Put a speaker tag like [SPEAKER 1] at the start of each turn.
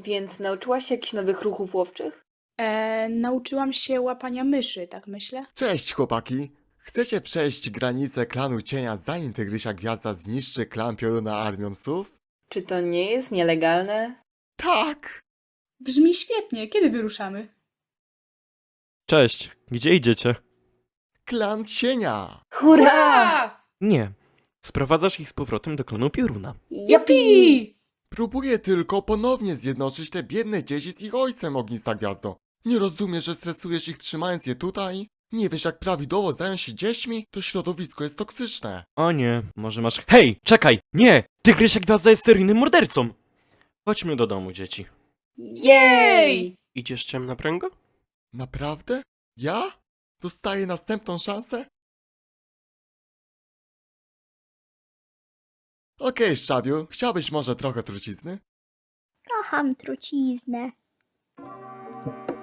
[SPEAKER 1] Więc nauczyłaś się jakichś nowych ruchów łowczych?
[SPEAKER 2] Nauczyłam się łapania myszy, tak myślę.
[SPEAKER 3] Cześć chłopaki! Chcecie przejść granicę klanu cienia, zanim Tygrysia Gwiazda zniszczy klan Pioruna armią psów?
[SPEAKER 1] Czy to nie jest nielegalne?
[SPEAKER 3] Tak!
[SPEAKER 2] Brzmi świetnie, kiedy wyruszamy?
[SPEAKER 4] Cześć, gdzie idziecie?
[SPEAKER 3] Klan cienia!
[SPEAKER 1] Hurra!
[SPEAKER 4] Nie. Sprowadzasz ich z powrotem do klanu Pioruna.
[SPEAKER 1] Jupi!
[SPEAKER 3] Próbuję tylko ponownie zjednoczyć te biedne dzieci z ich ojcem, Ognista Gwiazdo. Nie rozumiesz, że stresujesz ich trzymając je tutaj? Nie wiesz, jak prawidłowo zająć się dziećmi? To środowisko jest toksyczne.
[SPEAKER 4] O nie, może masz... Hej, czekaj! Nie! Tygrysia Gwiazda jest seryjnym mordercą! Chodźmy do domu, dzieci.
[SPEAKER 1] Jej!
[SPEAKER 4] Idziesz ciemna pręgo?
[SPEAKER 3] Naprawdę? Ja? Dostaję następną szansę? Okej, Szczawiu, chciałbyś może trochę trucizny?
[SPEAKER 5] Kocham truciznę.